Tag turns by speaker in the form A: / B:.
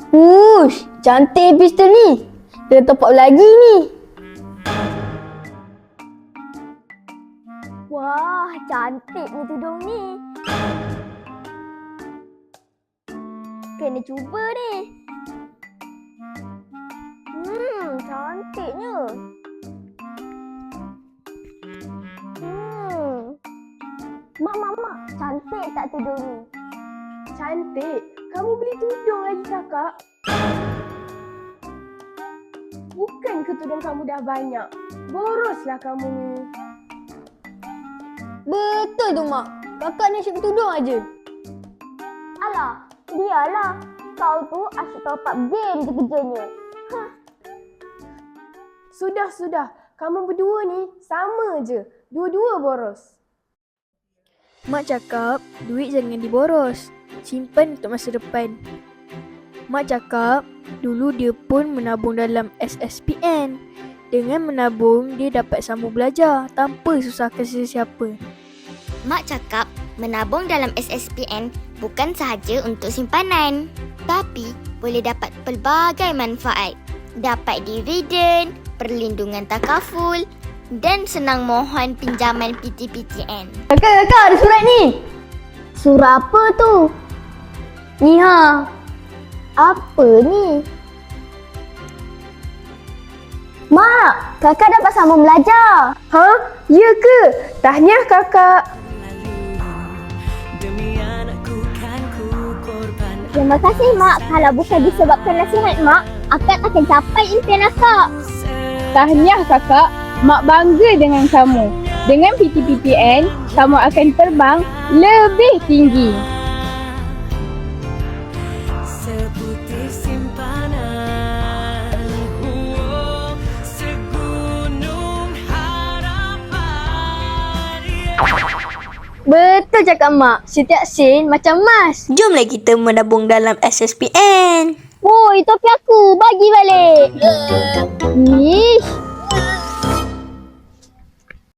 A: Ush, cantik pistol ni. Dia top up lagi ni.
B: Wah, cantik ni tudung ni. Kena cuba ni. Cantiknya. Mak, cantik tak tudung ni?
C: Cantik. Kamu beli tudung lagi kakak? Bukan ke tudung kamu dah banyak? Boroslah kamu ni.
A: Betul tu mak. Kakak ni asyik bertudung aje.
B: Alah, dialah. Kau tu asyik top up game je kerjanya.
C: Sudah. Kamu berdua ni sama je. Dua-dua boros.
D: Mak cakap, duit jangan diboros. Simpan untuk masa depan. Mak cakap, dulu dia pun menabung dalam SSPN. Dengan menabung, dia dapat sambung belajar tanpa susahkan sesiapa.
E: Mak cakap menabung dalam SSPN bukan sahaja untuk simpanan, tapi boleh dapat pelbagai manfaat. Dapat dividen, perlindungan takaful dan senang mohon pinjaman PTPTN.
A: Kakak, ada surat ni.
B: Surah apa tu?
A: Ni ha.
B: Apa ni? Mak, kakak dapat sambung belajar.
C: Ha? Ya ke? Tahniah kakak.
B: Terima kasih mak. Kalau bukan disebabkan nasihat mak, akak akan capai impian akak.
F: Tahniah kakak, mak bangga dengan kamu. Dengan PTPTN, kamu akan terbang lebih tinggi.
G: Seputih simpanan, segunung harapan.
A: Betul cakap mak. Setiap sen macam emas.
E: Jomlah kita menabung dalam SSPN.
B: Woi, topi aku. Bagi balik. Ish.